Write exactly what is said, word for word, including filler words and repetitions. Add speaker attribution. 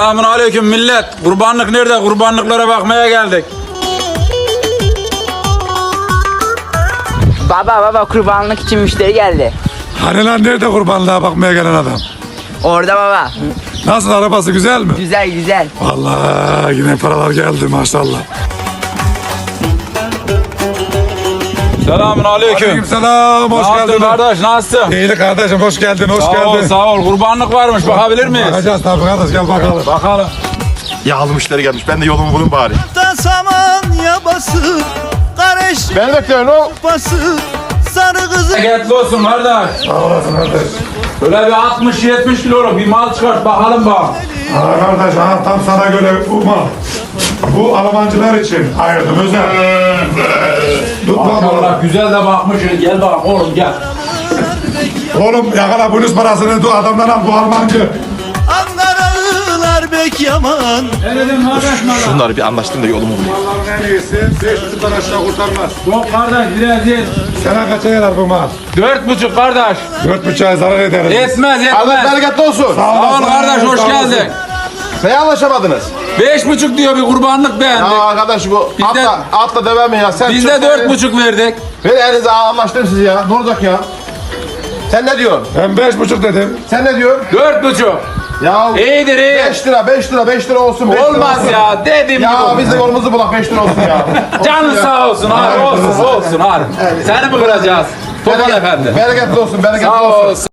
Speaker 1: Selamun aleyküm millet. Kurbanlık nerede? Kurbanlıklara bakmaya geldik.
Speaker 2: Baba baba kurbanlık için müşteri geldi.
Speaker 3: Hani lan nerede kurbanlığa bakmaya gelen adam?
Speaker 2: Orada baba.
Speaker 3: Nasıl, arabası güzel mi?
Speaker 2: Güzel güzel.
Speaker 3: Vallahi yine paralar geldi maşallah.
Speaker 1: Selamun aleyküm.
Speaker 3: Aleykümselam, hoş
Speaker 1: Ne yaptın
Speaker 3: geldin.
Speaker 1: kardeş? Nasılsın?
Speaker 3: İyi kardeşim, hoş geldin, hoş
Speaker 1: Sağ ol,
Speaker 3: geldin.
Speaker 1: sağ ol. Kurbanlık varmış. Bakabilir miyiz?
Speaker 3: Bakacağız tabii kardeş, gel bakalım.
Speaker 1: Bakalım.
Speaker 4: Yağlı müşteri gelmiş. Ben de yolumu bulayım bari.
Speaker 5: Da saman yabası, kardeş
Speaker 4: Beni bekliyorsun o.
Speaker 5: bası, sarı kızı.
Speaker 1: Bereketli olsun kardeş.
Speaker 3: Sağ olasın kardeş.
Speaker 1: Böyle bir altmış yetmiş kiloluk bir mal çıkart bakalım bak.
Speaker 3: Ha kardeş, ha tam sana göre bu mal. Bu Almancılar için ayırdım özel. Tut lan oğlum.
Speaker 1: Maşallah güzel de bakmışsın. Gel bak oğlum gel.
Speaker 3: Oğlum yakala bonus parasını dur adamdan al, bu Almancı.
Speaker 5: Ankaralılar bek yaman.
Speaker 1: Ne dedim kardeş bana?
Speaker 4: Şunları bir anlaştım da yolumu bulayım.
Speaker 3: Allah'ın en iyisi, beş yüzden aşağı kurtarmaz.
Speaker 1: Yok kardeş biraz değil.
Speaker 3: Sana kaça gelir bu mal?
Speaker 1: Dört buçuk kardeş.
Speaker 3: Dört buçuğa zarar ederiz.
Speaker 1: Etmez
Speaker 4: Allah
Speaker 1: etmez.
Speaker 4: bereketli olsun.
Speaker 1: Sağ ol kardeş hoş geldin.
Speaker 4: Neye anlaşamadınız?
Speaker 1: Beş buçuk diyor bir kurbanlık beğendik.
Speaker 4: Ya arkadaş bu
Speaker 1: Biz de-
Speaker 4: atla, atla deve mi ya? Sen
Speaker 1: Biz
Speaker 4: çok-
Speaker 1: de dört buçuk verdik.
Speaker 4: Ver elinize anlaştım sizi ya. Ne olacak ya? Sen ne diyorsun?
Speaker 3: Ben beş buçuk dedim.
Speaker 4: Sen ne diyorsun?
Speaker 1: Dört buçuk.
Speaker 4: Ya
Speaker 1: İyidir iyi.
Speaker 4: beş lira, beş lira, beş lira olsun. beş lira
Speaker 1: Olmaz
Speaker 4: olsun.
Speaker 1: ya dedim
Speaker 4: Ya
Speaker 1: gibi.
Speaker 4: biz de yolumuzu bulak beş lira olsun ya.
Speaker 1: Canın sağ olsun abi olsun olsun abi. Seni mi kıracağız? Topal efendi.
Speaker 4: Bereketli olsun, bereketli
Speaker 1: Sağ
Speaker 4: olsun.
Speaker 1: olsun.